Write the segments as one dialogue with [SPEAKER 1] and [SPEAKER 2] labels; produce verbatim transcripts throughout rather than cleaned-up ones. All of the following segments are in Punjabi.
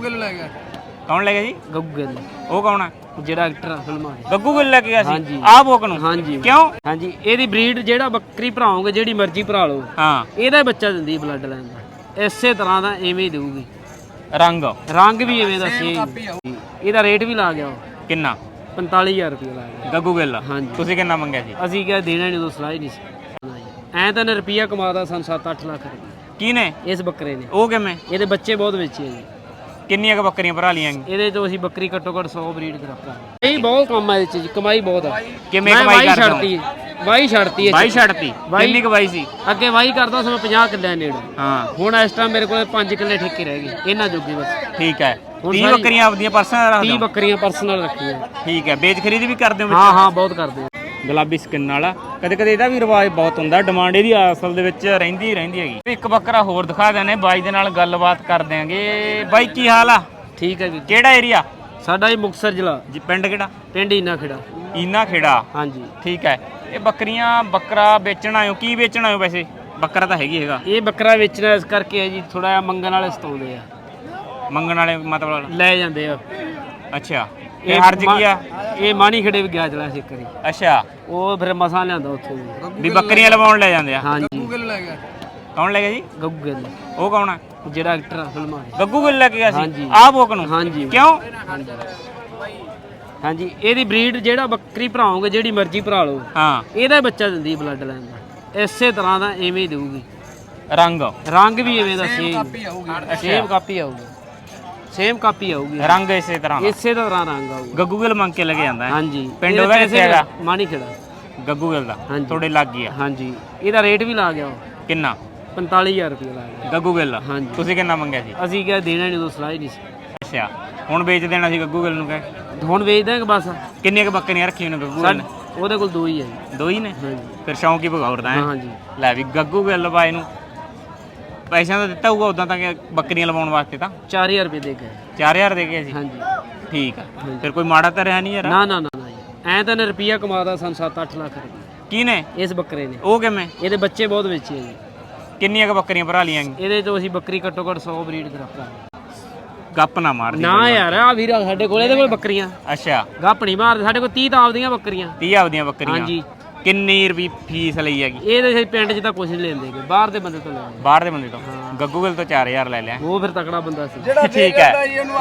[SPEAKER 1] ਗਿੱਲ ਲੈ ਗਿਆ।
[SPEAKER 2] ਕੌਣ ਲੈ ਗਿਆ ਜੀ?
[SPEAKER 1] ਗੱਗੂ ਗਿੱਲ,
[SPEAKER 2] ਉਹ ਕੌਣ ਆ?
[SPEAKER 1] ਜਿਹੜਾ ਐਕਟਰ ਫਿਲਮਾਂ ਦੇ।
[SPEAKER 2] ਗੱਗੂ ਗਿੱਲ ਲੈ ਕੇ ਗਿਆ ਸੀ
[SPEAKER 1] ਹਾਂਜੀ।
[SPEAKER 2] ਆਹ ਬੋਕ ਨੂੰ?
[SPEAKER 1] ਹਾਂਜੀ
[SPEAKER 2] ਕਿਉਂ?
[SPEAKER 1] ਹਾਂਜੀ, ਇਹਦੀ ਬਰੀਡ ਜਿਹੜਾ ਬੱਕਰੀ ਭਰਾਓਗੇ ਜਿਹੜੀ ਮਰਜ਼ੀ ਭਰਾ ਲਓ,
[SPEAKER 2] ਹਾਂ
[SPEAKER 1] ਇਹਦਾ ਹੀ ਬੱਚਾ ਦਿੰਦੀ ਬਲੱਡ ਲਾਈਨ ਦਾ, ਇਸੇ ਤਰ੍ਹਾਂ ਦਾ ਐਵੇਂ ਹੀ ਦੇਊਗੀ।
[SPEAKER 2] ਰੰਗ
[SPEAKER 1] ਰੰਗ ਵੀ ਐਵੇਂ ਦਾ ਸੇਮ। ਇਹਦਾ ਰੇਟ ਵੀ ਲਾ ਗਿਆ
[SPEAKER 2] ਕਿੰਨਾ?
[SPEAKER 1] ਪੰਤਾਲੀ ਹਜ਼ਾਰ ਰੁਪਏ ਲਾ ਗਿਆ।
[SPEAKER 2] ਗੱਗੂ ਗਿੱਲ?
[SPEAKER 1] ਹਾਂਜੀ।
[SPEAKER 2] ਤੁਸੀਂ ਕਿੰਨਾ ਮੰਗਿਆ ਸੀ?
[SPEAKER 1] ਅਸੀਂ ਕਿਹਾ ਦੇਣਾ ਨਹੀਂ, ਉਦੋਂ ਸਲਾਹ ਹੀ ਨਹੀਂ ਸੀ। ਐਂ ਤਾਂ ਨੇ ਰੁਪਈਆ ਕਮਾਦਾ ਸਾਨੂੰ ਸੱਤ ਅੱਠ ਲੱਖ ਰੁਪਏ
[SPEAKER 2] ਕੀ ਨੇ
[SPEAKER 1] ਇਸ ਬੱਕਰੇ ਨੇ।
[SPEAKER 2] ਉਹ ਕਿਵੇਂ?
[SPEAKER 1] ਇਹਦੇ ਬੱਚੇ ਬਹੁਤ ਵੇਚੇ ਆ ਜੀ।
[SPEAKER 2] ਕਿੰਨੀਆਂ ਕ ਬੱਕਰੀਆਂ ਭਰਾ ਲੀਆਂ?
[SPEAKER 1] ਇਹਦੇ ਤੋਂ ਅਸੀਂ ਬੱਕਰੀ ਘੱਟੋ ਘੱਟ ਸੌ ਬਰੀਡ ਕਰਾਪਾ। ਇਹ ਬਹੁਤ ਕੰਮ ਆ ਇਹਦੇ ਚ ਜੀ, ਕਮਾਈ ਬਹੁਤ ਆ।
[SPEAKER 2] ਕਿਵੇਂ ਕਮਾਈ ਕਰਦੇ ਹੋ?
[SPEAKER 1] ਛੱਡਤੀ ਵਾਹੀ ਛੱਡਤੀ
[SPEAKER 2] ਵਾਹੀ ਛੱਡਤੀ? ਕਿੰਨੀ ਕ ਵਾਹੀ ਸੀ
[SPEAKER 1] ਅੱਗੇ? ਵਾਹੀ ਕਰਦਾ ਸੀ ਮੈਂ ਪੰਜਾਹ ਕਿੱਲੇ ਨੇੜੇ।
[SPEAKER 2] ਹਾਂ
[SPEAKER 1] ਹੁਣ ਇਸ ਟਾਈਮ ਮੇਰੇ ਕੋਲ ਪੰਜ ਕਿੱਲੇ ਠੇਕੇ ਰਹਿ ਗਏ ਇਹਨਾਂ ਜੋਗੇ ਬਸ।
[SPEAKER 2] ਠੀਕ ਹੈ। ਤੀਹ ਬੱਕਰੀਆਂ ਆਪਦੀਆਂ ਪਰਸਨਲ ਰੱਖਦੇ
[SPEAKER 1] ਤੀਹ
[SPEAKER 2] ਹੋ?
[SPEAKER 1] ਬੱਕਰੀਆਂ ਪਰਸਨਲ ਰੱਖੀਆਂ।
[SPEAKER 2] ਠੀਕ ਹੈ। ਵੇਚ ਖਰੀਦ ਵੀ ਕਰਦੇ ਹੋ?
[SPEAKER 1] ਹਾਂ ਹਾਂ ਬਹੁਤ ਕਰਦੇ ਆ।
[SPEAKER 2] ਗੁਲਾਬੀ ਸਕਿਨ ਵਾਲਾ ਕਦੇ ਕਦੇ ਇਹਦਾ ਵੀ ਰਿਵਾਜ ਬਹੁਤ ਹੁੰਦਾ, ਡਿਮਾਂਡ ਇਹਦੀ ਅਸਲ ਦੇ ਵਿੱਚ ਰਹਿੰਦੀ ਰਹਿੰਦੀ ਹੈਗੀ। ਇੱਕ ਬੱਕਰਾ ਹੋਰ ਦਿਖਾ ਦਿੰਦੇ ਬਾਈ ਦੇ ਨਾਲ ਗੱਲਬਾਤ ਕਰ ਦਿਆਂਗੇ। ਬਾਈ ਕੀ ਹਾਲ ਆ?
[SPEAKER 1] ਠੀਕ ਹੈ ਜੀ।
[SPEAKER 2] ਕਿਹੜਾ ਏਰੀਆ?
[SPEAKER 1] ਸਾਡਾ ਇਹ ਮੁਕਤਸਰ ਜ਼ਿਲ੍ਹਾ
[SPEAKER 2] ਜੀ। ਪਿੰਡ ਕਿਹੜਾ?
[SPEAKER 1] ਪਿੰਡ ਇਨਾ ਖੇੜਾ।
[SPEAKER 2] ਇਨਾ ਖੇੜਾ।
[SPEAKER 1] ਹਾਂਜੀ
[SPEAKER 2] ਠੀਕ ਹੈ। ਇਹ ਬੱਕਰੀਆਂ ਬੱਕਰਾ ਵੇਚਣ ਆਇਓ? ਕੀ ਵੇਚਣ ਆਇਓ? ਵੈਸੇ ਬੱਕਰਾ ਤਾਂ ਹੈਗੀ ਹੈਗਾ।
[SPEAKER 1] ਇਹ ਬੱਕਰਾ ਵੇਚਣਾ ਇਸ ਕਰਕੇ ਹੈ ਜੀ, ਥੋੜਾ ਜਿਹਾ ਮੰਗਣ ਵਾਲੇ ਸਤਾਉਂਦੇ ਆ।
[SPEAKER 2] ਮੰਗਣ ਵਾਲੇ ਮਤਲਬ
[SPEAKER 1] ਲੈ ਜਾਂਦੇ ਆ।
[SPEAKER 2] ਅੱਛਾ। ਇਹ ਹਰਜ ਕੀ ਆ?
[SPEAKER 1] ਇਹ ਮਾਣੀ ਖੇੜੇ ਵੀ ਗਿਆ ਚਲਾ ਸੀ ਇੱਕ ਵਾਰੀ।
[SPEAKER 2] ਅੱਛਾ।
[SPEAKER 1] ਉਹ ਫਿਰ ਮਸਾਂ ਲਿਆਂਦਾ ਉੱਥੋਂ ਵੀ।
[SPEAKER 2] ਵੀ ਬੱਕਰੀਆਂ ਲਵਾਉਣ ਲੈ ਜਾਂਦੇ ਆ?
[SPEAKER 1] ਹਾਂਜੀ। ਗੱਗੂ ਗਿੱਲ ਲੈ ਗਿਆ।
[SPEAKER 2] ਕੌਣ ਲੈ ਗਿਆ ਜੀ?
[SPEAKER 1] ਗੱਗੂ ਗਿੱਲ,
[SPEAKER 2] ਉਹ ਕੌਣ ਆ?
[SPEAKER 1] ਜਿਹੜਾ ਐਕਟਰ ਫਿਲਮਾਂ ਦੇ।
[SPEAKER 2] ਗੱਗੂ ਗਿੱਲ ਲੈ ਕੇ ਗਿਆ ਸੀ
[SPEAKER 1] ਹਾਂਜੀ।
[SPEAKER 2] ਆਹ ਬੋਕ ਨੂੰ?
[SPEAKER 1] ਹਾਂਜੀ।
[SPEAKER 2] ਕਿਉਂ?
[SPEAKER 1] ਹਾਂਜੀ, ਇਹਦੀ ਬਰੀਡ ਜਿਹੜਾ ਬੱਕਰੀ ਭਰਾਓਗੇ ਜਿਹੜੀ ਮਰਜ਼ੀ ਭਰਾ ਲਓ,
[SPEAKER 2] ਹਾਂ
[SPEAKER 1] ਇਹਦਾ ਹੀ ਬੱਚਾ ਦਿੰਦੀ ਬਲੱਡ ਲਾਈਨ ਦਾ, ਇਸੇ ਤਰ੍ਹਾਂ ਦਾ ਐਵੇਂ ਹੀ ਦੇਊਗੀ।
[SPEAKER 2] ਰੰਗ?
[SPEAKER 1] ਰੰਗ ਵੀ ਐਵੇਂ ਦਾ ਸੇਮ ਸੇਮ ਕਾਪੀ ਆਊਗੀ। ਸੇਮ ਕਾਪੀ ਆਊਗੀ।
[SPEAKER 2] ਰੰਗ ਇਸੇ ਤਰ੍ਹਾਂ ਦਾ?
[SPEAKER 1] ਇਸੇ ਤਰ੍ਹਾਂ ਰੰਗ ਆਊਗਾ।
[SPEAKER 2] ਗੱਗੂ ਗਿੱਲ ਮੰਗ ਕੇ ਲੈ ਕੇ ਜਾਂਦਾ ਹੈ?
[SPEAKER 1] ਹਾਂਜੀ।
[SPEAKER 2] ਪਿੰਡ ਉਹਦਾ ਕਿੱਥੇ ਹੈਗਾ?
[SPEAKER 1] ਮਾਣੀ ਖੇੜਾ।
[SPEAKER 2] ਗੱਗੂ ਗਿੱਲ ਦਾ
[SPEAKER 1] ਹਾਂਜੀ।
[SPEAKER 2] ਤੁਹਾਡੇ ਲੱਗ ਗਿਆ?
[SPEAKER 1] ਹਾਂਜੀ। ਇਹਦਾ ਰੇਟ ਵੀ ਲਾ ਗਿਆ
[SPEAKER 2] ਕਿੰਨਾ?
[SPEAKER 1] ਪੰਤਾਲੀ ਹਜ਼ਾਰ ਰੁਪਏ ਲਾ ਗਿਆ।
[SPEAKER 2] ਗੱਗੂ ਗਿੱਲ?
[SPEAKER 1] ਹਾਂਜੀ।
[SPEAKER 2] ਤੁਸੀਂ ਕਿੰਨਾ ਮੰਗਿਆ ਸੀ?
[SPEAKER 1] ਅਸੀਂ ਕਿਹਾ ਦੇਣਾ ਨਹੀਂ, ਉਦੋਂ ਸਲਾਹ ਹੀ ਨਹੀਂ ਸੀ।
[SPEAKER 2] ਅੱਛਾ। ਹੁਣ ਵੇਚ ਦੇਣਾ ਸੀ ਗੱਗੂ ਗਿੱਲ ਨੂੰ? ਕਹੇ
[SPEAKER 1] ਹੁਣ ਵੇਚ ਦਾਂਗੇ ਬਸ।
[SPEAKER 2] ਕਿੰਨੀਆਂ ਕ ਬੱਕਰੀਆਂ ਰੱਖੀਆਂ ਨੇ ਗੱਗੂ ਗਿੱਲ ਨੇ?
[SPEAKER 1] ਉਹਦੇ ਕੋਲ ਦੋ ਹੀ ਹੈ ਜੀ।
[SPEAKER 2] ਦੋ ਹੀ ਨੇ?
[SPEAKER 1] ਹਾਂਜੀ।
[SPEAKER 2] ਫਿਰ ਸ਼ੌਂਕ ਹੀ ਭਗੌਰਦਾ ਹੈ।
[SPEAKER 1] ਹਾਂਜੀ।
[SPEAKER 2] ਲੈ ਵੀ ਗੱਗੂ ਗਿੱਲ ਬਾਈ ਨੂੰ ਪੈਸਿਆਂ ਦਾ ਦਿੱਤਾ ਹੋਊਗਾ ਉਦਾਂ ਤਾਂ ਕਿ ਬੱਕਰੀਆਂ ਲਵਾਉਣ ਵਾਸਤੇ ਤਾਂ
[SPEAKER 1] ਚਾਰ ਹਜ਼ਾਰ ਰੁਪਏ ਦੇ ਗਏ।
[SPEAKER 2] ਚਾਰ ਹਜ਼ਾਰ ਦੇ ਗਏ ਸੀ?
[SPEAKER 1] ਹਾਂਜੀ।
[SPEAKER 2] ਠੀਕ ਆ। ਫਿਰ ਕੋਈ ਮਾੜਾ ਤਾਂ ਰਿਹਾ ਨਹੀਂ ਯਾਰ?
[SPEAKER 1] ਨਾ ਨਾ ਨਾ ਨਾ ਜੀ, ਐਂ ਤਾਂ ਨੇ ਰੁਪਈਆ ਕਮਾਦਾ ਸਾਨੂੰ ਸੱਤ ਅੱਠ ਲੱਖ ਰੁਪਏ
[SPEAKER 2] ਕੀ ਨੇ
[SPEAKER 1] ਇਸ ਬੱਕਰੇ ਨੇ।
[SPEAKER 2] ਉਹ ਕਿਵੇਂ?
[SPEAKER 1] ਇਹਦੇ ਬੱਚੇ ਬਹੁਤ ਵੇਚੇ ਆ ਜੀ।
[SPEAKER 2] ਕਿੰਨੀਆਂ ਕ ਬੱਕਰੀਆਂ ਭਰਾ ਲੀਆਂ?
[SPEAKER 1] ਇਹਦੇ ਤੋਂ ਅਸੀਂ ਬੱਕਰੀ ਘੱਟੋ ਘੱਟ ਸੌ ਬਰੀਡ ਕਰਾਪਾ।
[SPEAKER 2] ਗੱਪ ਨਾ ਮਾਰਦੀ
[SPEAKER 1] ਨਾ ਯਾਰ, ਆ ਵੀਰ ਸਾਡੇ ਕੋਲ ਇਹਦੇ ਕੋਲ ਬੱਕਰੀਆਂ।
[SPEAKER 2] ਅੱਛਾ।
[SPEAKER 1] ਗੱਪ ਨਹੀਂ ਮਾਰਦੇ, ਸਾਡੇ ਕੋਲ ਤੀਹ ਤਾਂ ਆਪਦੀਆਂ ਬੱਕਰੀਆਂ।
[SPEAKER 2] ਤੀਹ ਆਪਦੀਆਂ ਬੱਕਰੀਆਂ?
[SPEAKER 1] ਹਾਂਜੀ।
[SPEAKER 2] ਕਿੰਨੀ ਰੁਪਈ ਫੀਸ ਲਈ ਹੈਗੀ?
[SPEAKER 1] ਇਹਦੇ ਅਸੀਂ ਪਿੰਡ 'ਚ ਤਾਂ ਕੁਝ ਨਹੀਂ ਲੈਂਦੇ, ਬਾਹਰ ਦੇ ਬੰਦੇ ਤੋਂ ਲੈਂਦੇ।
[SPEAKER 2] ਬਾਹਰ ਦੇ ਬੰਦੇ ਤੋਂ? ਗੱਗੂ ਗਿੱਲ ਤੋਂ ਚਾਰ ਹਜ਼ਾਰ ਲੈ ਲਿਆ।
[SPEAKER 1] ਉਹ ਫਿਰ ਤਕੜਾ ਬੰਦਾ ਸੀ।
[SPEAKER 2] ਠੀਕ ਹੈ।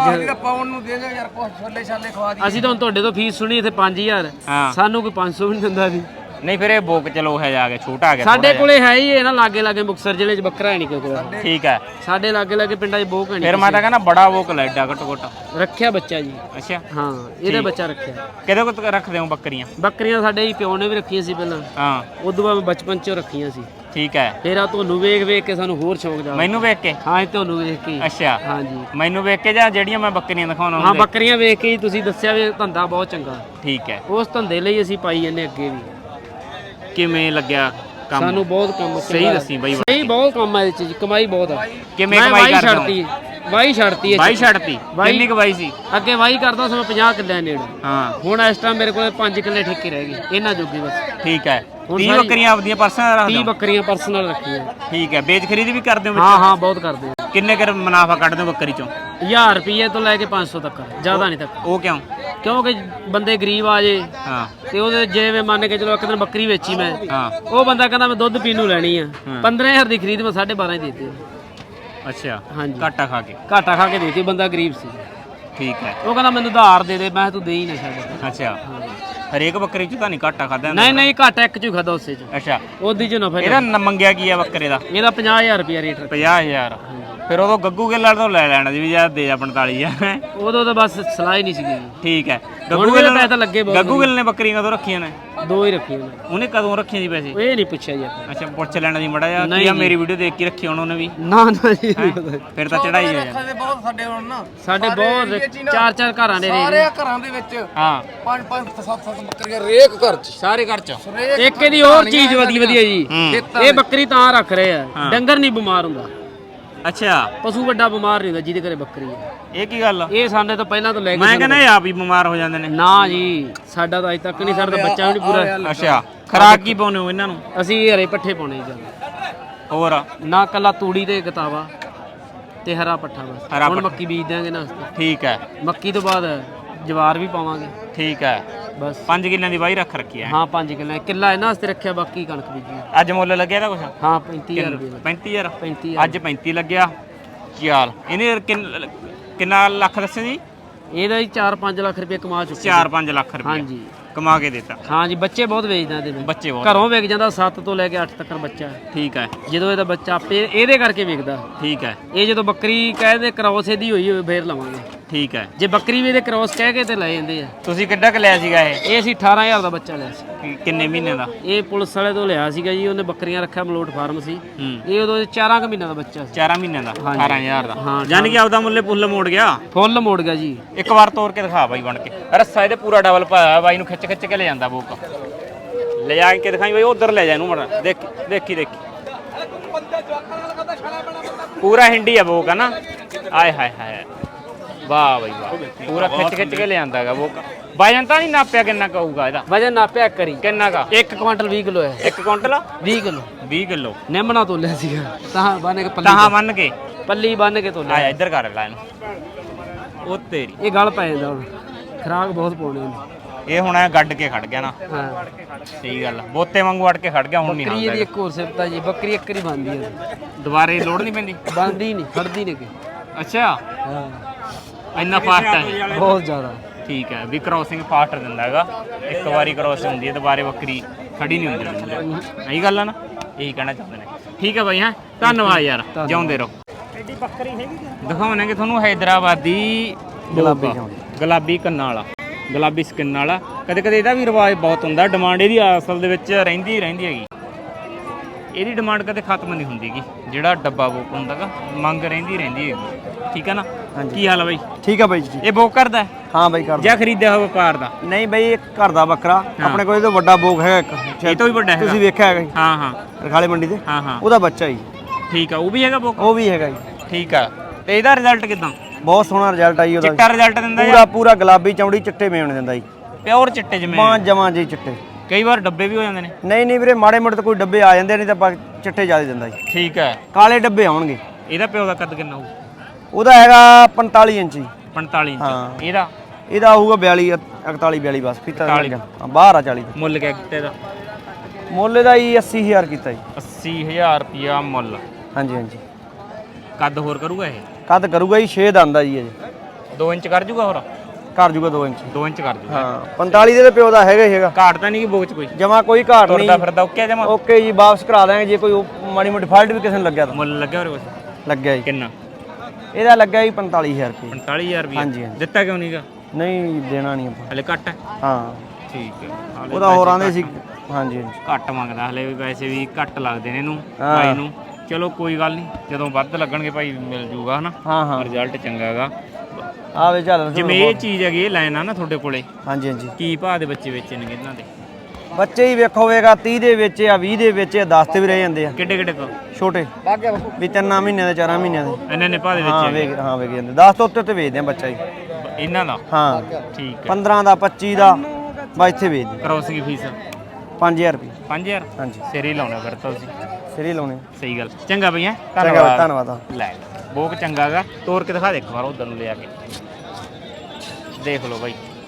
[SPEAKER 1] ਅਸੀਂ ਤਾਂ ਹੁਣ ਤੁਹਾਡੇ ਤੋਂ ਫੀਸ ਸੁਣੀ ਇੱਥੇ ਪੰਜ ਹਜ਼ਾਰ,
[SPEAKER 2] ਹਾਂ।
[SPEAKER 1] ਸਾਨੂੰ ਕੋਈ ਪੰਜ ਸੌ ਵੀ ਨਹੀਂ ਦਿੰਦਾ ਸੀ।
[SPEAKER 2] ਨਹੀਂ ਫਿਰ ਇਹ ਬੋਕ ਚਲੋ ਹੈ ਜਾ ਕੇ ਛੋਟਾ ਆ ਗਿਆ
[SPEAKER 1] ਸਾਡੇ ਕੋਲੇ ਹੈ ਹੀ ਇਹ ਨਾ, ਲਾਗੇ ਲਾਗੇ ਮੁਕਤਸਰ ਜ਼ਿਲ੍ਹੇ 'ਚ ਬੱਕਰਾ ਹੈ ਨਹੀਂ ਕੋਈ ਕੋਲ।
[SPEAKER 2] ਠੀਕ ਹੈ।
[SPEAKER 1] ਸਾਡੇ ਲਾਗੇ ਲਾਗੇ ਪਿੰਡਾਂ 'ਚ ਬੋਕ ਹੈ ਨਹੀਂ।
[SPEAKER 2] ਫਿਰ ਮੈਂ ਤਾਂ ਕਹਿੰਦਾ ਬੜਾ ਬੋਕ ਲੈਡਾ ਘੱਟੋ ਘੱਟ
[SPEAKER 1] ਰੱਖਿਆ ਬੱਚਾ ਜੀ।
[SPEAKER 2] ਅੱਛਾ।
[SPEAKER 1] ਹਾਂ, ਇਹਦਾ ਬੱਚਾ ਰੱਖਿਆ।
[SPEAKER 2] ਕਿਹਦੇ ਕੋਲ ਰੱਖਦੇ ਹੋ ਬੱਕਰੀਆਂ?
[SPEAKER 1] ਬੱਕਰੀਆਂ ਸਾਡੇ ਹੀ ਪਿਓ ਨੇ ਵੀ ਰੱਖੀਆਂ ਸੀ ਪਹਿਲਾਂ।
[SPEAKER 2] ਹਾਂ।
[SPEAKER 1] ਉਦੋਂ ਬਾਅਦ ਬਚਪਨ 'ਚ ਰੱਖੀਆਂ ਸੀ।
[SPEAKER 2] ਠੀਕ ਹੈ।
[SPEAKER 1] ਫਿਰ ਆ ਤੁਹਾਨੂੰ ਵੇਖ ਵੇਖ ਕੇ ਸਾਨੂੰ ਹੋਰ ਸ਼ੌਕ ਜਾ।
[SPEAKER 2] ਮੈਨੂੰ ਵੇਖ ਕੇ?
[SPEAKER 1] ਹਾਂ, ਤੁਹਾਨੂੰ ਵੇਖ ਕੇ।
[SPEAKER 2] ਅੱਛਾ।
[SPEAKER 1] ਹਾਂਜੀ।
[SPEAKER 2] ਮੈਨੂੰ ਵੇਖ ਕੇ ਜਾਂ ਜਿਹੜੀਆਂ ਮੈਂ ਬੱਕਰੀਆਂ ਦਿਖਾਉਣਾ?
[SPEAKER 1] ਹਾਂ, ਬੱਕਰੀਆਂ ਵੇਖ ਕੇ ਤੁਸੀਂ ਦੱਸਿਆ ਵੀ ਧੰਦਾ ਬਹੁਤ ਚੰਗਾ।
[SPEAKER 2] ਠੀਕ ਹੈ।
[SPEAKER 1] ਉਸ ਧੰਦੇ ਲਈ ਅਸੀਂ ਪਾਈ ਜਾਂਦੇ ਅੱਗੇ ਵੀ।
[SPEAKER 2] ਕਿਵੇਂ ਲੱਗਿਆ ਕੰਮ?
[SPEAKER 1] ਸਾਨੂੰ ਬਹੁਤ ਕੰਮ
[SPEAKER 2] ਸਹੀ ਦੱਸੀ ਬਾਈ।
[SPEAKER 1] ਸਹੀ ਬਹੁਤ ਕੰਮ ਆ ਇਹਦੇ 'ਚ, ਕਮਾਈ ਬਹੁਤ ਆ।
[SPEAKER 2] ਕਿਵੇਂ ਕਮਾਈ ਕਰਦੇ ਹੋ?
[SPEAKER 1] ਵਾਹੀ ਛੱਡਤੀ।
[SPEAKER 2] ਵਾਹੀ ਛੱਡਤੀ? ਕਿੰਨੀ ਕੁ ਵਾਹੀ ਸੀ?
[SPEAKER 1] ਅੱਗੇ ਵਾਹੀ ਕਰਦਾ ਸੀ ਮੈਂ ਪੰਜਾਹ ਕਿੱਲੇ ਨੇੜੇ।
[SPEAKER 2] ਹਾਂ।
[SPEAKER 1] ਹੁਣ ਇਸ ਟਾਈਮ ਮੇਰੇ ਕੋਲ ਪੰਜ ਕਿੱਲੇ ਠੇਕੇ ਰਹਿ ਗਏ ਇਹਨਾਂ ਜੋਗੇ ਬਸ।
[SPEAKER 2] ਠੀਕ ਹੈ। ਤੀਹ ਬੱਕਰੀਆਂ ਆਪਦੀਆਂ ਪਰਸਨਲ ਰੱਖਦੇ ਹੋ?
[SPEAKER 1] ਤੀਹ ਬੱਕਰੀਆਂ ਪਰਸਨਲ ਰੱਖੀਆਂ।
[SPEAKER 2] ਠੀਕ ਹੈ। ਵੇਚ ਖਰੀਦ ਵੀ ਕਰਦੇ ਹੋ?
[SPEAKER 1] ਹਾਂ ਹਾਂ ਬਹੁਤ ਕਰਦੇ ਆ।
[SPEAKER 2] ਕਿੰਨੇ ਕਰ ਮੁਨਾਫਾ ਕੱਢਦੇ ਹੋ ਬੱਕਰੀ ਚੋਂ?
[SPEAKER 1] ਹਜ਼ਾਰ ਰੁਪਏ ਤੋਂ ਲੈ ਕੇ ਪੰਜ ਸੌ ਤੱਕ, ਜ਼ਿਆਦਾ ਨਹੀਂ ਤੱਕ।
[SPEAKER 2] ਉਹ ਕਿਉਂ?
[SPEAKER 1] ਕਿਉਂਕਿ ਬੰਦੇ ਗਰੀਬ ਆ ਜੇ
[SPEAKER 2] ਹਾਂ।
[SPEAKER 1] ਤੇ ਉਹਦੇ ਜਿਵੇਂ ਮੰਨ ਕੇ ਚਲੋ ਇੱਕ ਦਿਨ ਬੱਕਰੀ ਵੇਚੀ ਮੈਂ,
[SPEAKER 2] ਹਾਂ।
[SPEAKER 1] ਉਹ ਬੰਦਾ ਕਹਿੰਦਾ ਮੈਂ ਦੁੱਧ ਪੀਣ ਨੂੰ ਲੈਣੀ ਆ, ਪੰਦਰਾਂ ਹਜ਼ਾਰ ਦੀ ਖਰੀਦ ਮੈਂ ਸਾਢੇ ਬਾਰਾਂ ਹੀ ਦੇਤੀ।
[SPEAKER 2] ਅੱਛਾ।
[SPEAKER 1] ਹਾਂਜੀ।
[SPEAKER 2] ਘਾਟਾ ਖਾ ਕੇ?
[SPEAKER 1] ਘਾਟਾ ਖਾ ਕੇ ਦੇਤੀ, ਬੰਦਾ ਗਰੀਬ ਸੀ।
[SPEAKER 2] ਠੀਕ ਹੈ।
[SPEAKER 1] ਉਹ ਕਹਿੰਦਾ ਮੈਨੂੰ ਉਧਾਰ ਦੇ ਦੇ, ਮੈਂ ਕਿਹਾ ਤੂੰ ਦੇ ਹੀ ਨਾ ਛੱਡ।
[SPEAKER 2] ਅੱਛਾ। ਹਰੇਕ ਬੱਕਰੀ ਚ ਤਾਂ ਨਹੀਂ ਘਾਟਾ ਖਾਦਾ?
[SPEAKER 1] ਨਹੀਂ ਨਹੀਂ, ਘਾਟਾ ਇੱਕ ਚ ਹੀ ਖਾਦਾ ਉਸੇ ਚ।
[SPEAKER 2] ਅੱਛਾ।
[SPEAKER 1] ਉਹਦੀ ਚ ਨਫਾ।
[SPEAKER 2] ਇਹਦਾ ਮੰਗਿਆ ਕੀ ਆ ਬੱਕਰੇ ਦਾ?
[SPEAKER 1] ਇਹਦਾ ਪੰਜਾਹ ਹਜ਼ਾਰ ਰੁਪਇਆ ਰੇਟ।
[SPEAKER 2] ਪੰਜਾਹ ਹਜ਼ਾਰ? ਫਿਰ ਉਦੋਂ ਗੱਗੂ ਗਿੱਲ ਤੋਂ ਲੈ ਲੈਣਾ ਜੀ ਵੀ ਯਾਰ ਦੇ ਪੰਤਾਲੀ ਹਜ਼ਾਰ।
[SPEAKER 1] ਉਦੋਂ ਤਾਂ ਬਸ ਸਲਾਹ ਹੀ ਨਹੀਂ ਸੀਗੀ।
[SPEAKER 2] ਠੀਕ ਹੈ।
[SPEAKER 1] ਗੱਗੂ ਗਿੱਲ ਪੈਸੇ ਤਾਂ ਲੱਗੇ ਬਹੁਤ।
[SPEAKER 2] ਗੱਗੂ ਗਿੱਲ ਨੇ ਬੱਕਰੀਆਂ ਕਦੋਂ ਰੱਖੀਆਂ ਨੇ?
[SPEAKER 1] ਦੋ ਹੀ ਰੱਖੀਆਂ ਨੇ।
[SPEAKER 2] ਉਹਨੇ ਕਦੋਂ ਰੱਖੀਆਂ ਸੀ ਪੈਸੇ?
[SPEAKER 1] ਇਹ ਨਹੀਂ ਪੁੱਛਿਆ ਜੀ ਆਪਾਂ।
[SPEAKER 2] ਅੱਛਾ, ਪੁੱਛ ਲੈਣਾ ਜੀ ਮੜਾ ਜਾ ਕੀ ਆ, ਮੇਰੀ ਵੀਡੀਓ ਦੇਖ ਕੇ ਰੱਖੀ ਉਹਨਾਂ ਨੇ ਵੀ?
[SPEAKER 1] ਨਾ ਨਾ ਜੀ,
[SPEAKER 2] ਫਿਰ ਤਾਂ ਚੜਾਈ ਹੋ ਜਾਂਦੀ।
[SPEAKER 1] ਸਾਡੇ ਬਹੁਤ ਚਾਰ ਚਾਰ ਘਰਾਂ ਦੇ
[SPEAKER 3] ਸਾਰੇ ਘਰਾਂ ਦੇ ਵਿੱਚ
[SPEAKER 2] ਹਾਂ
[SPEAKER 3] ਪੰਜ ਪੰਜ ਸੱਤ ਸੱਤ ਬੱਕਰੀਆਂ ਰੇਕ ਘਰ ਚ,
[SPEAKER 2] ਸਾਰੇ ਘਰ ਚ।
[SPEAKER 1] ਇੱਕ ਇਹਦੀ ਹੋਰ ਚੀਜ਼ ਵਧੀਆ ਵਧੀਆ ਜੀ, ਇਹ ਬੱਕਰੀ ਤਾਂ ਰੱਖ ਰਹੇ ਆ ਡੰਗਰ ਨਹੀਂ ਬਿਮਾਰ ਹੁੰਦਾ।
[SPEAKER 2] ਅੱਛਾ।
[SPEAKER 1] ਪਸ਼ੂ ਵੱਡਾ ਬਿਮਾਰ ਨਹੀਂ ਹੁੰਦਾ ਜਿਹਦੇ ਘਰੇ ਬੱਕਰੀ ਹੈ।
[SPEAKER 2] ਇਹ ਕੀ ਗੱਲ?
[SPEAKER 1] ਇਹ ਸਾਡੇ ਤੋਂ ਪਹਿਲਾਂ ਤੋਂ ਲੈ ਕੇ
[SPEAKER 2] ਮੈਂ ਕਹਿੰਦਾ ਇਹ ਆਪ ਹੀ ਬਿਮਾਰ ਹੋ ਜਾਂਦੇ ਨੇ।
[SPEAKER 1] ਨਾ ਜੀ, ਸਾਡਾ ਤਾਂ ਅਜੇ ਤੱਕ ਨਹੀਂ, ਸਾਡਾ ਤਾਂ ਬੱਚਾ ਵੀ ਨਹੀਂ ਪੂਰਾ।
[SPEAKER 2] ਅੱਛਾ। ਖਰਾਕ ਕੀ ਪਾਉਨੇ ਹੋ ਇਹਨਾਂ ਨੂੰ?
[SPEAKER 1] ਅਸੀਂ ਹਰੇ ਪੱਠੇ ਪਾਉਣੇ ਜੀ।
[SPEAKER 2] ਹੋਰ?
[SPEAKER 1] ਨਾ ਕੱਲਾ ਤੂੜੀ ਤੇ ਗਤਾਵਾ। ਤੇ ਹਰਾ ਪੱਠਾ ਬਸ
[SPEAKER 2] ਹਰਾ
[SPEAKER 1] ਹੁਣ
[SPEAKER 2] ਪੱਠਾ।
[SPEAKER 1] ਮੱਕੀ ਬੀਜ ਦਾਂਗੇ ਨਾ ਅਸੀਂ।
[SPEAKER 2] ਠੀਕ ਹੈ
[SPEAKER 1] ਮੱਕੀ ਤੋਂ ਬਾਅਦ ਜਵਾਰ ਵੀ ਪਾਵਾਂਗੇ
[SPEAKER 2] ਠੀਕ ਹੈ
[SPEAKER 1] ਬਸ।
[SPEAKER 2] ਪੰਜ ਕਿੱਲਿਆਂ ਦੀ ਵਾਹੀ ਰੱਖ ਰੱਖੀ ਹੈ
[SPEAKER 1] ਹਾਂ ਪੰਜ ਕਿੱਲੇ ਕਿੱਲਾ ਇਹਨਾਂ ਵਾਸਤੇ ਰੱਖਿਆ ਬਾਕੀ ਕਣਕ ਬੀਜੀ।
[SPEAKER 2] ਅੱਜ ਮੁੱਲ ਲੱਗਿਆ ਤਾਂ ਕੁਛ
[SPEAKER 1] ਹਾਂ ਪੈਂਤੀ ਹਜ਼ਾਰ ਰੁਪਏ
[SPEAKER 2] ਪੈਂਤੀ ਹਜ਼ਾਰ
[SPEAKER 1] ਪੈਂਤੀ ਹਜ਼ਾਰ
[SPEAKER 2] ਅੱਜ ਪੈਂਤੀ ਲੱਗਿਆ ਚੱਲ ਇਹਨੇ ਕਿੰਨ- ਕਿੰਨਾ ਲੱਖ ਦੱਸਿਆ ਜੀ
[SPEAKER 1] ਇਹਦਾ ਹੀ ਚਾਰ ਪੰਜ ਲੱਖ ਰੁਪਏ ਕਮਾ ਚੁੱਕੇ
[SPEAKER 2] ਚਾਰ ਪੰਜ ਲੱਖ ਰੁਪਏ
[SPEAKER 1] ਹਾਂਜੀ
[SPEAKER 2] ਕਮਾ ਕੇ ਦਿੱਤਾ
[SPEAKER 1] ਹਾਂਜੀ ਬੱਚੇ ਬਹੁਤ ਵੇਚਦਾ ਇਹਦੇ ਵਿੱਚ
[SPEAKER 2] ਬੱਚੇ ਬਹੁਤ
[SPEAKER 1] ਘਰੋਂ ਵਿਕ ਜਾਂਦਾ ਸੱਤ ਤੋਂ ਲੈ ਕੇ ਅੱਠ ਤੱਕ ਬੱਚਾ
[SPEAKER 2] ਠੀਕ ਹੈ
[SPEAKER 1] ਜਦੋਂ ਇਹਦਾ ਬੱਚਾ ਆਪੇ ਇਹਦੇ ਕਰਕੇ ਵਿਕਦਾ।
[SPEAKER 2] ਠੀਕ ਹੈ
[SPEAKER 1] ਇਹ ਜਦੋਂ ਬੱਕਰੀ ਕਹਿੰਦੇ ਕ੍ਰੋਸ ਇਹਦੀ ਹੋਈ ਹੋਵੇ ਫੇਰ ਲਵਾਂਗੇ।
[SPEAKER 2] ਠੀਕ ਹੈ
[SPEAKER 1] ਜੇ ਬੱਕਰੀ ਵੀ ਇਹਦੇ ਕ੍ਰੋਸ ਕਹਿ ਕੇ ਤੇ ਲੈ ਜਾਂਦੇ ਆ।
[SPEAKER 2] ਤੁਸੀਂ ਕਿੱਡਾ ਕੁ ਲਿਆ ਸੀਗਾ ਇਹ
[SPEAKER 1] ਇਹ ਅਸੀਂ ਅਠਾਰਾਂ ਹਜ਼ਾਰ ਦਾ ਬੱਚਾ ਲਿਆ ਸੀ।
[SPEAKER 2] ਕਿ- ਕਿੰਨੇ ਮਹੀਨੇ ਦਾ
[SPEAKER 1] ਇਹ ਪੁਲਿਸ ਵਾਲੇ ਤੋਂ ਲਿਆ ਸੀਗਾ ਜੀ ਉਹਨੇ ਬੱਕਰੀਆਂ ਰੱਖਿਆ ਮਲੋਟ ਫਾਰਮ ਸੀ।
[SPEAKER 2] ਹੂੰ
[SPEAKER 1] ਇਹ ਉਦੋਂ ਚਾਰਾਂ ਕੁ ਮਹੀਨਿਆਂ ਦਾ ਬੱਚਾ ਸੀ।
[SPEAKER 2] ਚਾਰਾਂ ਮਹੀਨਿਆਂ ਦਾ
[SPEAKER 1] ਹਾਂਜੀ।
[SPEAKER 2] ਅਠਾਰਾਂ ਹਜ਼ਾਰ ਦਾ
[SPEAKER 1] ਹਾਂ,
[SPEAKER 2] ਯਾਨੀ ਕਿ ਆਪਦਾ ਮੁੱਲੇ ਪੁੱਲ ਮੋੜ ਗਿਆ
[SPEAKER 1] ਫੁੱਲ ਮੋੜ ਗਿਆ ਜੀ।
[SPEAKER 2] ਇੱਕ ਵਾਰ ਤੋੜ ਕੇ ਦਿਖਾ ਬਾਈ ਬਣ ਕੇ ਰੱਸਾ ਇਹਦੇ ਪੂਰਾ ਡਬਲ ਪਾਇਆ ਬਾਈ ਨੂੰ ਖਿੱਚ ਖਿੱਚ ਕੇ ਲੈ ਜਾਂਦਾ ਬੋਕ ਲੈ ਜਾ ਕੇ ਦਿਖਾਈ ਬਾਈ ਉਧਰ ਲੈ ਜਾ ਇਹਨੂੰ ਮੜਾ ਦੇਖੀ ਦੇਖੀ ਦੇਖੀ ਪੂਰਾ ਹਿੰਡੀ ਆ ਬੋਕ ਹੈ ਨਾ ਆਏ ਹਾਏ ਹਾਏ ਵਾਹ ਬਾਈ ਵਾਹ ਪੂਰਾ ਖਿੱਚ ਖਿੱਚ ਕੇ ਲੈ ਜਾਂਦਾ ਹੈਗਾ ਬੋਕ ਵਜਨ ਤਾਂ ਨਹੀਂ ਨਾਪਿਆ ਕਿੰਨਾ ਕਹੂਗਾ ਇਹਦਾ
[SPEAKER 1] ਵਜਨ ਨਾਪਿਆ ਕਰੀ
[SPEAKER 2] ਕਿੰਨਾ ਕਾ
[SPEAKER 1] ਇੱਕ ਕੁਆਂਟਲ ਵੀਹ ਕਿਲੋ ਹੈ।
[SPEAKER 2] ਇੱਕ ਕੁਇੰਟਲ
[SPEAKER 1] ਵੀਹ ਕਿਲੋ
[SPEAKER 2] ਵੀਹ ਕਿਲੋ
[SPEAKER 1] ਨਿੰਮਣਾ ਤੋਂ ਲਿਆ ਸੀਗਾ ਤਾਂ ਬੰਨ ਕੇ ਪੱਲੀ
[SPEAKER 2] ਤਾਹਾਂ ਮੰਨ ਕੇ
[SPEAKER 1] ਪੱਲੀ ਬੰਨ ਕੇ ਤੋਂ
[SPEAKER 2] ਆਇਆ
[SPEAKER 1] ਲਿਆ।
[SPEAKER 2] ਇੱਧਰ ਕਰ ਲੈ ਇਹਨੂੰ ਉਹ ਤੇਰੀ
[SPEAKER 1] ਇਹ ਗਲ ਪੈ ਜਾਂਦਾ ਹੁਣ ਖਰਾਕ ਬਹੁਤ ਪਾਉਣੇ ਨੇ।
[SPEAKER 2] ਇਹ ਹੁਣ ਐ ਗੱਡ ਕੇ ਖੜ ਗਿਆ ਨਾ
[SPEAKER 1] ਹਾਂ
[SPEAKER 2] ਸਹੀ ਗੱਲ ਆ। ਬੋਤੇ ਵਾਂਗੂ ਅੜ ਕੇ ਖੜ ਗਿਆ ਹੁਣ ਨਹੀਂ
[SPEAKER 1] ਬੱਕਰੀ ਇਹਦੀ
[SPEAKER 2] ਹਾਲਦਾ
[SPEAKER 1] ਇੱਕ ਹੋਰ ਸਿਫਤਾ ਜੀ ਬੱਕਰੀ ਇੱਕ ਹੀ ਬੰਦੀ ਹੈ
[SPEAKER 2] ਦੁਬਾਰੇ ਲੋੜ ਨਹੀਂ ਪੈਂਦੀ
[SPEAKER 1] ਬੰਦੀ ਨਹੀਂ ਖੜਦੀ ਨਹੀਂ ਕਿ
[SPEAKER 2] ਅੱਛਾ
[SPEAKER 1] ਹਾਂ
[SPEAKER 2] ਇੰਨਾ ਫਾਸਟ ਹੈ
[SPEAKER 1] ਬਹੁਤ ਜ਼ਿਆਦਾ
[SPEAKER 2] ਠੀਕ ਹੈ ਵੀ ਕ੍ਰੋਸਿੰਗ ਫਾਸਟ ਦਿੰਦਾ ਹੈਗਾ ਇੱਕ ਵਾਰੀ ਕ੍ਰੋਸ ਹੁੰਦੀ ਹੈ ਦੁਬਾਰੇ ਬੱਕਰੀ ਖੜੀ ਨਹੀਂ ਹੁੰਦੀ ਇਹੀ ਗੱਲ ਆ ਨਾ ਇਹੀ ਕਹਿਣਾ ਚਾਹੁੰਦੇ ਨੇ ਠੀਕ ਹੈ ਬਾਈ ਹਾਂ ਧੰਨਵਾਦ ਯਾਰ ਜਿਉਂਦੇ ਰਹੋ ਐਡੀ ਬੱਕਰੀ ਹੈਗੀ ਦਿਖਾਉਣਗੇ ਤੁਹਾਨੂੰ ਹੈਦਰਾਬਾਦੀ ਗੁਲਾਬੀ ਗੁਲਾਬੀ ਕੰਨਾਂ ਵਾਲਾ ਗੁਲਾਬੀ ਸਕਿਨ ਵਾਲਾ ਕਦੇ ਕਦੇ ਇਹਦਾ ਵੀ ਰਿਵਾਜ ਬਹੁਤ ਹੁੰਦਾ ਡਿਮਾਂਡ ਇਹਦੀ ਅਸਲ ਦੇ ਵਿੱਚ ਰਹਿੰਦੀ ਰਹਿੰਦੀ ਹੈਗੀ ਇਹਦੀ ਡਿਮਾਂਡ ਕਦੇ ਖਤਮ ਨਹੀਂ ਹੁੰਦੀਗੀ ਜਿਹੜਾ ਡੱਬਾ ਬੋਕ ਹੁੰਦਾਗਾ ਮੰਗ ਰਹਿੰਦੀ ਰਹਿੰਦੀ ਹੈਗੀ ਠੀਕ ਹੈ ਨਾ ਕੀ ਹਾਲ ਹੈ ਬਾਈ
[SPEAKER 4] ਠੀਕ ਆ ਬਾਈ ਜੀ
[SPEAKER 2] ਇਹ ਬੋਕ ਕਰਦਾ ਹੈ?
[SPEAKER 4] ਹਾਂ ਬਾਈ ਕਰ
[SPEAKER 2] ਜਾਂ ਖਰੀਦਿਆ ਹੋਇਆ ਵਪਾਰ ਦਾ
[SPEAKER 4] ਨਹੀਂ ਬਾਈ ਇੱਕ ਘਰ ਦਾ ਬੱਕਰਾ ਆਪਣੇ ਕੋਲ ਇਹ ਤੋਂ ਵੱਡਾ ਬੋਗ ਹੈਗਾ ਇੱਕ
[SPEAKER 2] ਇਹ ਤੋਂ ਵੀ ਵੱਡਾ ਹੈਗਾ
[SPEAKER 4] ਤੁਸੀਂ ਵੇਖਿਆ ਹੈਗਾ ਜੀ
[SPEAKER 2] ਹਾਂ ਹਾਂ
[SPEAKER 4] ਰਖਾਲੇ ਮੰਡੀ ਤੇ
[SPEAKER 2] ਹਾਂ ਹਾਂ
[SPEAKER 4] ਉਹਦਾ ਬੱਚਾ ਜੀ
[SPEAKER 2] ਠੀਕ ਆ ਉਹ ਵੀ ਹੈਗਾ ਬੋਕ
[SPEAKER 4] ਉਹ ਵੀ ਹੈਗਾ ਜੀ
[SPEAKER 2] ਠੀਕ ਆ ਤੇ ਇਹਦਾ ਰਿਜ਼ਲਟ ਕਿਦਾਂ
[SPEAKER 4] ਬਹੁਤ ਸੋਹਣਾ ਰਿਜ਼ਲਟ ਆਈ ਉਹਦਾ
[SPEAKER 2] ਚਿੱਟਾ ਰਿਜ਼ਲਟ ਦਿੰਦਾ
[SPEAKER 4] ਪੂਰਾ ਪੂਰਾ ਗੁਲਾਬੀ ਚੌੜੀ ਚਿੱਟੇ ਮੇਵਣ ਦਿੰਦਾ ਜੀ
[SPEAKER 2] ਪਿਓਰ ਚਿੱਟੇ ਜਿਵੇਂ
[SPEAKER 4] ਮਾਂ ਜਮਾਂ ਜੀ ਚਿੱਟੇ
[SPEAKER 2] ਕਈ ਵਾਰ ਡੱਬੇ ਵੀ ਹੋ ਜਾਂਦੇ ਨੇ
[SPEAKER 4] ਨਹੀਂ ਨਹੀਂ ਵੀਰੇ ਮਾੜੇ ਮੋਟੇ ਤਾਂ ਕੋਈ ਡੱਬੇ ਆ ਜਾਂਦੇ ਨਹੀਂ ਤਾਂ ਬਾ- ਚਿੱਟੇ ਜ਼ਿਆਦਾ ਦਿੰਦਾ ਜੀ
[SPEAKER 2] ਠੀਕ ਹੈ
[SPEAKER 4] ਕਾਲੇ ਡੱਬੇ ਆਉਣਗੇ
[SPEAKER 2] ਇਹਦਾ ਪਿਓ ਦਾ ਕੱਦ ਕਿੰਨਾ ਹੋਊ
[SPEAKER 4] ਉਹਦਾ ਹੈਗਾ ਪੰਤਾਲੀ ਇੰਚ ਜੀ
[SPEAKER 2] ਪੰਤਾਲੀ ਇੰਚ
[SPEAKER 4] ਹਾਂ।
[SPEAKER 2] ਇਹਦਾ
[SPEAKER 4] ਇਹਦਾ ਹੋਊਗਾ ਬਿਆਲੀ ਇਕਤਾਲੀ ਬਿਆਲੀ ਬਸ ਫੀਤਾ
[SPEAKER 2] ਇਕਤਾਲੀ।
[SPEAKER 4] ਲੱਗ ਗਿਆ ਹਾਂ, ਬਾਹਰ ਆ ਚਾਲੀ ਦਾ
[SPEAKER 2] ਮੁੱਲ ਕਿਆ ਕੀਤਾ ਇਹਦਾ
[SPEAKER 4] ਮੁੱਲ ਇਹਦਾ ਜੀ ਅੱਸੀ ਹਜ਼ਾਰ ਕੀਤਾ ਜੀ
[SPEAKER 2] ਅੱਸੀ ਹਜ਼ਾਰ ਰੁਪਿਆ ਮੁੱਲ
[SPEAKER 4] ਹਾਂਜੀ ਹਾਂਜੀ
[SPEAKER 2] ਕੱਦ ਹੋਰ ਕਰੂਗਾ ਇਹ
[SPEAKER 4] ਕੱਦ ਕਰੂਗਾ ਜੀ ਛੇ ਦਾ ਆਂਦਾ ਜੀ ਅਜੇ
[SPEAKER 2] ਦੋ ਇੰਚ ਕਰ ਜੂਗਾ ਹੋਰ
[SPEAKER 4] ਕਰ ਜੂਗਾ ਦੋ ਇੰਚ
[SPEAKER 2] ਦੋ ਇੰਚ ਕਰ ਜੂਗਾ
[SPEAKER 4] ਹਾਂ ਪੰਤਾਲੀ ਦੇ ਤਾਂ ਪਿਓ ਦਾ ਹੈਗਾ ਹੀ ਹੈਗਾ
[SPEAKER 2] ਘਾਟ ਤਾਂ ਨਹੀਂ ਕਿ ਬੋਚ ਕੋਈ
[SPEAKER 4] ਜਮਾ ਕੋਈ ਘਾਟ ਨਹੀਂ
[SPEAKER 2] ਤੁਰਦਾ ਫਿਰਦਾ ਓਕੇ ਜਮਾ
[SPEAKER 4] ਓਕੇ ਜੀ ਵਾਪਸ ਕਰਾ ਦਾਂਗੇ ਜੇ ਕੋਈ ਉਹ ਮਾੜੀ ਮੋਟੀ ਫਾਲਟ ਵੀ ਕਿਸੇ ਨੂੰ ਲੱਗਿਆ ਤਾਂ
[SPEAKER 2] ਮੁੱਲ ਲੱਗਿਆ ਹੋਰ ਕੁਛ
[SPEAKER 4] ਲੱਗਿਆ ਜੀ
[SPEAKER 2] ਕਿੰਨਾ
[SPEAKER 4] ਇਹਦਾ ਲੱਗਿਆ ਜੀ ਪੰਤਾਲੀ ਹਜ਼ਾਰ ਰੁਪਏ
[SPEAKER 2] ਪੰਤਾਲੀ ਹਜ਼ਾਰ ਰੁਪਿਆ
[SPEAKER 4] ਹਾਂਜੀ, ਹਾਂਜੀ।
[SPEAKER 2] ਦਿੱਤਾ ਕਿਉਂ ਨਹੀਂਗਾ
[SPEAKER 4] ਨਹੀਂ ਦੇਣਾ ਨਹੀਂ ਆਪਾਂ
[SPEAKER 2] ਹਲੇ ਘੱਟ ਹੈ
[SPEAKER 4] ਹਾਂ
[SPEAKER 2] ਠੀਕ ਹੈ ਹਾਲੇ
[SPEAKER 4] ਉਹਦਾ ਹੋਰ ਆਂਦੇ ਸੀ ਹਾਂਜੀ ਹਾਂਜੀ
[SPEAKER 2] ਘੱਟ ਮੰਗਦਾ ਹਲੇ ਵੀ ਪੈਸੇ ਵੀ ਘੱਟ ਲੱਗਦੇ ਨੇ ਇਹਨੂੰ
[SPEAKER 4] ਹਾਂ।
[SPEAKER 2] ਭਾਈ ਨੂੰ ਚਲੋ ਕੋਈ ਗੱਲ ਨਹੀਂ ਜਦੋਂ ਵੱਧ ਲੱਗਣਗੇ ਭਾਈ ਮਿਲ ਜੂਗਾ ਹਨਾ
[SPEAKER 4] ਹਾਂ ਹਾਂ
[SPEAKER 2] ਰਿਜ਼ਲਟ ਚੰਗਾ ਹੈਗਾ
[SPEAKER 4] ਆ ਵੇ ਚੱਲ
[SPEAKER 2] ਜਿਵੇਂ ਇਹ ਚੀਜ਼ ਹੈਗੀ ਇਹ ਲੈਣ ਆ ਨਾ ਤੁਹਾਡੇ ਕੋਲੇ
[SPEAKER 4] ਹਾਂਜੀ ਹਾਂਜੀ
[SPEAKER 2] ਕੀ ਭਾਅ ਦੇ ਬੱਚੇ ਵੇਚੇ ਨੇ ਇਹਨਾਂ ਦੇ
[SPEAKER 4] ਬੱਚੇ ਹੀ ਵੇਖੋ ਵੇਗਾ ਤੀਹ ਦੇ ਵਿੱਚ ਆ ਵੀਹ ਦੇ ਵਿੱਚ ਆ ਦਸ ਤੇ ਵੀ ਰਹਿ ਜਾਂਦੇ ਆ
[SPEAKER 2] ਕਿੱਡੇ ਕਿੱਡੇ ਕੋ
[SPEAKER 4] ਛੋਟੇ ਵੀ ਤਿੰਨਾਂ ਮਹੀਨਿਆਂ ਦੇ ਚਾਰਾਂ ਮਹੀਨਿਆਂ ਦੇ
[SPEAKER 2] ਇੰਨੇ ਨੇ ਭਾਅ ਦੇ
[SPEAKER 4] ਹਾਂ
[SPEAKER 2] ਵਿੱਚ
[SPEAKER 4] ਵੇਖ ਹਾਂ ਵੇਖ ਜਾਂਦੇ ਦਸ ਤੋਂ ਉੱਤੇ ਤੇ ਵੇਚਦੇ ਆ ਬੱਚਾ ਜੀ
[SPEAKER 2] ਇਹਨਾਂ ਦਾ
[SPEAKER 4] ਹਾਂ
[SPEAKER 2] ਠੀਕ ਹੈ
[SPEAKER 4] ਪੰਦਰਾਂ ਦਾ ਪੱਚੀ ਦਾ ਬਾ ਇੱਥੇ ਵੇਚਦੇ
[SPEAKER 2] ਕ੍ਰੋਸਿੰਗ ਫੀਸ
[SPEAKER 4] ਪੰਜ ਹਜ਼ਾਰ ਰੁਪਏ
[SPEAKER 2] ਪੰਜ ਹਜ਼ਾਰ
[SPEAKER 4] ਹਾਂਜੀ
[SPEAKER 2] ਸਿਰ ਹੀ ਲਾਉਣਾ ਫਿਰ ਤਾਂ ਤੁਸੀਂ
[SPEAKER 4] ਸਿਰੇ ਲਾਉਣੇ
[SPEAKER 2] ਸਹੀ ਗੱਲ ਚੰਗਾ ਬਈ ਹੈ
[SPEAKER 4] ਚੰਗਾ ਧੰਨਵਾਦ ਆ
[SPEAKER 2] ਲੈ ਬੋਕ ਚੰਗਾ ਗਾ ਤੋਰ ਕੇ ਦਿਖਾ ਦੇ ਇੱਕ ਵਾਰ ਉਧਰ ਨੂੰ ਲਿਆ ਕੇ ਦੇਖ ਲਓ ਬਾਈ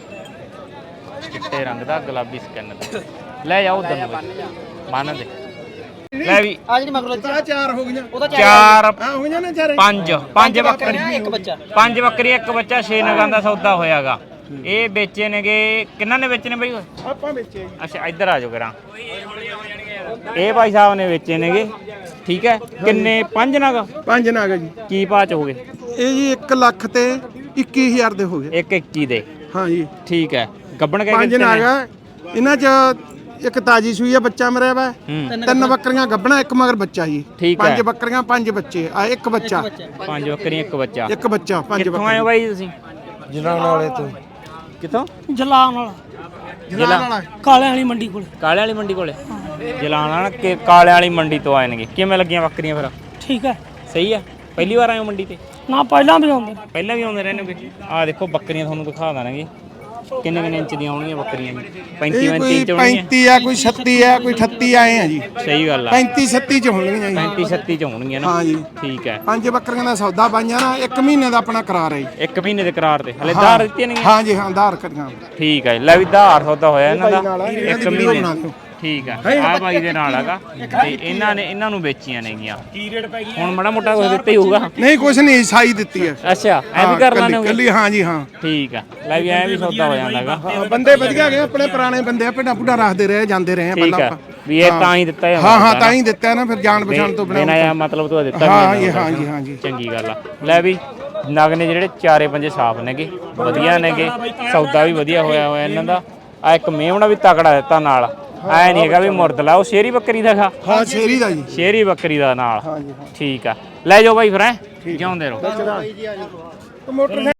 [SPEAKER 2] ਚਿੱਟੇ ਰੰਗ ਦਾ ਗੁਲਾਬੀ ਸਕਿਨ ਦਾ ਲੈ ਜਾ ਉਧਰ ਨੂੰ ਬਾਈ ਬੰਨ ਦੇ ਲੈ ਵੀ
[SPEAKER 1] ਆ ਜਿਹੜੀ ਮਗਰੋਂ
[SPEAKER 3] ਚਾਰ ਹੋ ਗਈਆਂ
[SPEAKER 1] ਉਹਦਾ
[SPEAKER 2] ਚਾਰ
[SPEAKER 3] ਆ ਹੋ ਗਈਆਂ ਨੇ ਚਾਰੇ
[SPEAKER 2] ਪੰਜ ਪੰਜ ਬੱਕਰੀ
[SPEAKER 1] ਇੱਕ ਬੱਚਾ
[SPEAKER 2] ਪੰਜ ਬੱਕਰੀ ਇੱਕ ਬੱਚਾ ਛੇ ਨਗਾਂ ਦਾ ਸੌਦਾ ਹੋਇਆਗਾ ਇਹ ਵੇਚੇ ਨੇਗੇ ਕਿੰਨਾਂ ਨੇ ਵੇਚੇ ਨੇ ਬਾਈ
[SPEAKER 3] ਆਪਾਂ ਵੇਚੇ ਜੀ
[SPEAKER 2] ਅੱਛਾ ਇੱਧਰ ਆ ਜਾਓ ਕਰਾਂ ਇਹ ਭਾਈ ਸਾਹਿਬ ਨੇ ਵੇਚੇ ਨੇਗੇ ਠੀਕ ਹੈ ਕਿੰਨੇ ਪੰਜ ਨਗ
[SPEAKER 3] ਪੰਜ ਨਾਗ ਜੀ
[SPEAKER 2] ਕੀ ਭਾਅ ਚ ਹੋ ਗਏ
[SPEAKER 3] ਇਹ ਜੀ ਇੱਕ ਲੱਖ ਤੇ ਇੱਕੀ ਹਜ਼ਾਰ ਦੇ ਹੋ ਗਏ
[SPEAKER 2] ਇੱਕ ਇੱਕੀ ਦੇ
[SPEAKER 3] ਹਾਂ ਜੀ
[SPEAKER 2] ਠੀਕ ਹੈ ਗੱਬਣ ਕਹਿ
[SPEAKER 3] ਪੰਜ ਨਾਗ ਆ ਇਹਨਾਂ ਚ ਇੱਕ ਤਾਜੀ ਸੂਈ ਆ ਬੱਚਾ ਮਰਿਆ ਵਾ
[SPEAKER 2] ਹੂੰ
[SPEAKER 3] ਤਿੰਨ ਬੱਕਰੀਆਂ ਗੱਬਣਾ ਇੱਕ ਮਗਰ ਬੱਚਾ ਜੀ
[SPEAKER 2] ਠੀਕ ਹੈ
[SPEAKER 3] ਪੰਜ ਬੱਕਰੀਆਂ ਪੰਜ ਬੱਚੇ ਆ ਇੱਕ ਬੱਚਾ
[SPEAKER 2] ਪੰਜ ਬੱਕਰੀਆਂ ਇੱਕ ਬੱਚਾ
[SPEAKER 3] ਇੱਕ ਬੱਚਾ ਪੰਜ
[SPEAKER 2] ਕਿੱਥੋਂ ਆਏ ਹੋ ਬਾਈ ਤੁਸੀਂ
[SPEAKER 4] ਜਿਨ੍ਹਾਂ ਵਾਲੇ ਤੋਂ
[SPEAKER 2] ਕਿੱਥੋਂ
[SPEAKER 1] ਜਲਾਨ ਵਾਲਾ
[SPEAKER 3] ਜਲਾਲ
[SPEAKER 1] ਕਾਲੇ ਵਾਲੀ ਮੰਡੀ ਕੋਲ
[SPEAKER 2] ਕਾਲੇ ਵਾਲੀ ਮੰਡੀ ਕੋਲੇ ਜਲਾਨ ਵਾਲਾ ਕਿ ਕਾਲੇ ਵਾਲੀ ਮੰਡੀ ਤੋਂ ਆਏ ਨੇਗੇ ਕਿਵੇਂ ਲੱਗੀਆਂ ਬੱਕਰੀਆਂ ਫਿਰ
[SPEAKER 1] ਠੀਕ ਹੈ
[SPEAKER 2] ਸਹੀ ਆ ਪਹਿਲੀ ਵਾਰ ਆਏ ਹੋ ਮੰਡੀ ਤੇ
[SPEAKER 1] ਨਾ ਪਹਿਲਾਂ ਵੀ ਆਉਂਦੇ
[SPEAKER 2] ਪਹਿਲਾਂ ਵੀ ਆਉਂਦੇ ਰਹਿੰਦੇ ਆ ਦੇਖੋ ਬੱਕਰੀਆਂ ਤੁਹਾਨੂੰ ਦਿਖਾ ਦਾਂਗੇ ਕਿੰਨੇ ਕਿੰਨੇ ਇੰਚ ਦੀਆਂ ਹੋਣਗੀਆਂ ਬੱਕਰੀਆਂ ਜੀ
[SPEAKER 3] ਇਹ
[SPEAKER 2] ਪੈਂਤੀ ਪੈਂਤੀ
[SPEAKER 3] ਕੋਈ
[SPEAKER 2] ਇੰਚ ਹੋਣਗੀਆਂ
[SPEAKER 3] ਪੈਂਤੀ ਆ ਕੋਈ ਛੱਤੀ ਆ ਕੋਈ ਅਠੱਤੀ ਆਏ ਆ ਜੀ
[SPEAKER 2] ਸਹੀ ਗੱਲ ਆ
[SPEAKER 3] ਪੈਂਤੀ ਛੱਤੀ ਚ ਹੋਣਗੀਆਂ ਜੀ
[SPEAKER 2] ਪੈਂਤੀ ਛੱਤੀ ਚ ਹੋਣਗੀਆਂ ਨਾ
[SPEAKER 3] ਹਾਂ ਜੀ
[SPEAKER 2] ਠੀਕ ਹੈ
[SPEAKER 3] ਪੰਜ ਬੱਕਰੀਆਂ ਦਾ ਸੌਦਾ ਪਾਈਆਂ ਨਾ ਇੱਕ ਮਹੀਨੇ ਦਾ ਆਪਣਾ ਕਰਾਰ ਹੈ ਜੀ
[SPEAKER 2] ਇੱਕ ਮਹੀਨੇ ਦੇ ਕਰਾਰ ਤੇ ਹਲੇ ਧਾਰ ਦਿੱਤੀਆਂ ਨਹੀਂ
[SPEAKER 3] ਹਾਂ ਜੀ ਹਾਂ ਆਧਾਰ ਕਰੀਆਂ
[SPEAKER 2] ਠੀਕ ਹੈ ਲੈ ਵੀ ਧਾਰ ਸੌਦਾ ਹੋਇਆ ਇਹਨਾਂ ਦਾ
[SPEAKER 3] ਇੱਕ
[SPEAKER 2] ਇੱਕ
[SPEAKER 3] ਵੀਡੀਓ
[SPEAKER 2] ਮਹੀਨੇ
[SPEAKER 3] ਬਣਾ ਦਿਓ
[SPEAKER 2] ਠੀਕ ਹੈ ਆ ਬਾਈ ਦੇ ਨਾਲ ਹੈਗਾ ਤੇ ਇਹਨਾਂ ਨੇ ਇਹਨਾਂ ਨੂੰ ਵੇਚੀਆਂ ਨੇਗੀਆਂ ਕੀ ਰੇਟ ਪੈ ਗਈ ਹੁਣ ਮਾੜਾ ਮੋਟਾ ਕੁਝ ਦਿੱਤਾ ਹੀ ਹੋਊਗਾ
[SPEAKER 3] ਨਹੀਂ ਕੁਛ ਨਹੀਂ ਸਾਈ ਦਿੱਤੀ ਹੈ
[SPEAKER 2] ਅੱਛਾ ਐ ਵੀ ਕਰ ਲਾਣੇ ਹੋਗੇ
[SPEAKER 3] ਕੱਲੀ ਹਾਂ ਜੀ ਹਾਂ
[SPEAKER 2] ਠੀਕ ਹੈ ਲੈ ਵੀ ਐ ਵੀ ਸੌਦਾ ਹੋ ਜਾਂਦਾ ਹੈਗਾ
[SPEAKER 3] ਹਾਂ, ਬੰਦੇ ਵਧੀਆ ਗਏ ਆਪਣੇ ਪੁਰਾਣੇ ਬੰਦੇ ਆ ਭੇਡਾਂ ਭੁੱਡਾਂ ਰੱਖਦੇ ਰਹੇ ਜਾਂਦੇ ਰਹੇ ਆ
[SPEAKER 2] ਠੀਕ
[SPEAKER 3] ਪਹਿਲਾਂ
[SPEAKER 2] ਹੈ
[SPEAKER 3] ਆਪਾਂ
[SPEAKER 2] ਵੀ ਇਹ ਤਾਂ ਹੀ ਦਿੱਤਾ ਹੈ
[SPEAKER 3] ਹਾਂ ਹਾਂ ਤਾਂ ਹੀ ਦਿੱਤਾ ਨਾ ਫਿਰ ਜਾਣ ਪਛਾਣ ਤੋਂ
[SPEAKER 2] ਬਿਨਾਂ
[SPEAKER 3] ਬਿਨਾਂ
[SPEAKER 2] ਇਹ ਮਤਲਬ ਤੋਂ ਦਿੱਤਾ
[SPEAKER 3] ਹਾਂ
[SPEAKER 2] ਵੀ
[SPEAKER 3] ਜੀ
[SPEAKER 2] ਜਾਂਦਾ
[SPEAKER 3] ਹਾਂ ਜੀ ਹਾਂ ਜੀ
[SPEAKER 2] ਚੰਗੀ ਗੱਲ ਆ ਲੈ ਵੀ ਨਗ ਨੇ ਜਿਹੜੇ ਚਾਰੇ ਪੰਜੇ ਸਾਫ ਨੇਗੇ ਵਧੀਆ ਨੇਗੇ ਸੌਦਾ ਵੀ ਵਧੀਆ ਹੋਇਆ ਹੋਇਆ ਇਹਨਾਂ ਦਾ ਆ ਇੱਕ ਮੇਮਣਾ ਵੀ ਤਕੜਾ ਦਿੱਤਾ ਨਾਲ ਐ ਨਹੀਂ ਹੈਗਾ ਵੀ ਮੁਰਦਲਾ ਉਹ ਸ਼ੇਰੀ ਬੱਕਰੀ ਦਾ ਖਾ
[SPEAKER 3] ਹਾਂ ਸ਼ੇਰੀ ਦਾ ਜੀ
[SPEAKER 2] ਸ਼ੇਰੀ ਬੱਕਰੀ ਦਾ ਨਾਲ
[SPEAKER 3] ਹਾਂ ਜੀ ਹਾਂ
[SPEAKER 2] ਠੀਕ ਆ ਲੈ ਜਾਓ ਬਾਈ ਫਿਰ ਐ ਜਿਉਂਦੇ ਰਹੋ
[SPEAKER 3] ਮੋਟਰ